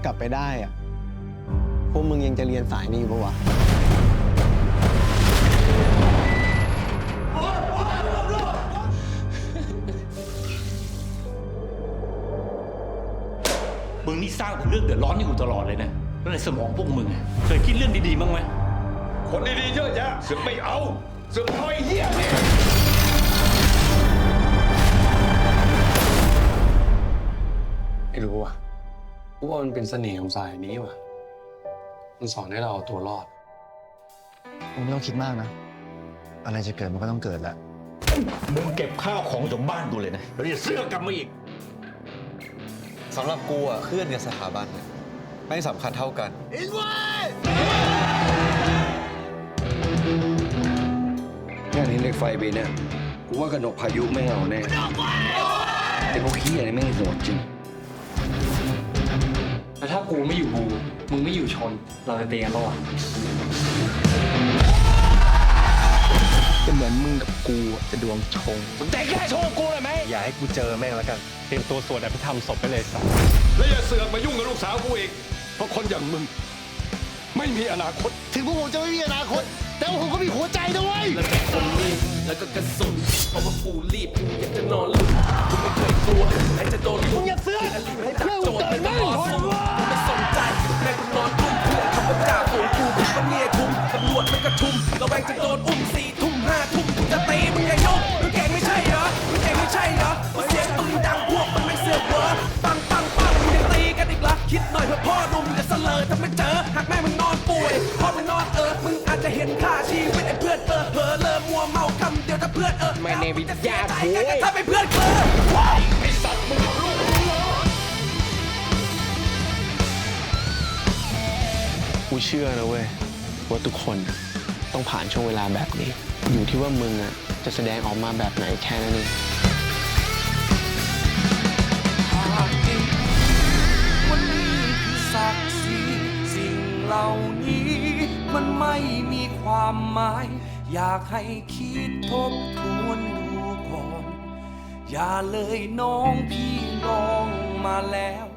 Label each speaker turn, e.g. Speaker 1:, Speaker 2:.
Speaker 1: กลับไปได้อะพวกมึงยังจะเรียนสายนี้อยู่ปะวะ
Speaker 2: มึงนี่สร้างแต่เรื่องเดือดร้อนให้กูตลอดเลยนะแล้วในสมองพวกมึงอะเคยคิดเรื่องดีๆบ้างไหมคนดีๆเยอะแยะเสือกไม่เอาเสือกเอาไอ้เหี้ยเนี่ย
Speaker 3: ไม่รู้ว่ะกูว่ามันเป็นเสน่ห์ของสายนี้ว่ะมันสอนให้เราเอาตัวรอด
Speaker 4: มึงไม่ต้องคิดมากนะ อะไรจะเกิดมันก็ต้องเกิดแหละ
Speaker 2: มึงเก็บข้าวของจากบ้านกูเลยนะแล้วอย่าเสื้อกลับมาอีก
Speaker 5: สำหรับกูอ่ะเพื่อนกับสถาบันเนี่ยไม่สำคัญเท่ากันงานนี้เหล็กไฟไปเนี่ยกูว่ากระหนกพายุไม่เอาแน่ไอ้พวกขี้อะไรไม่โหดจริง
Speaker 3: แล้วถ้ากูไม่อยู่บูมึงไม่อยู่ชน เราจะตีกันระหว่าง
Speaker 1: จะเหมือนมึงกับกูจะดวงชง
Speaker 2: แต่แค่โชว์กูเลยไหม
Speaker 3: อย่าให้กูเจอแม่งแล้วกันเตรียมตัวสวดอภิธรรมศพไปเลยสัส
Speaker 2: แล้วอย่าเสือกมายุ่งกับลูกสาวกูอีกเพราะคนอย่างมึงไม่มีอนาคต
Speaker 4: ถึงพวกผมจะไม่มีอนาคต แต่ว่าผมก็มีหัวใจนะเว้ย
Speaker 6: แล้วก็คนรีบแล้วก็กระสุนเพราะว่ากูรีบกูอยากจะนอนหลุดกูไม่เคยกลัวใครจะโดนลุกอย่าเสือกให้จับโจทย์ไม่ต้องรอสู้กูไม่สนใจแม่กูนอนดุ้มเพื่อนคำว่าจ่าฝูงกูมันเนี่ยคุ้มตำรวจมันกระชุมระแวงจะโดนอุ้ม4 ทุ่ม5 ทุ่มกูจะตีมึงอย่ายกมึงเก่งไม่ใช่เหรอมึงเก่งไม่ใช่เหรอว่าเสียงปืนดังพวกมันไม่เสือกเหรอปังปังปังมึงยังตีกันอีกเหรอคิดหน่อยเพื่อพ่อหนุ่มจะเสลอถ้าไม่เจอหากแม่มึงนอนป่วยพ่อมึงนอนมึงอาจจะเห็นค่าชีวิตไอ้เพื่อนเผลอเลิมัวเมาคำเดียวถ้าเพื่อนไม่ในวิทยาโว้ยถ้าเป็นเพื่อนไอ้สัตว์มึงรู้
Speaker 1: กูเชื่อนะเว้ยว่าทุกคนต้องผ่านช่วงเวลาแบบนี้ อยู่ที่ว่ามึงอะจะแสดงออกมาแบบไหนแค่นั้นเอง
Speaker 6: วันนี้คือศักดิ์ศรีสิ่งเหล่านี้มันไม่มีความหมาย อยากให้คิดทบทวนดูก่อน อย่าเลยน้องพี่ลองมาแล้ว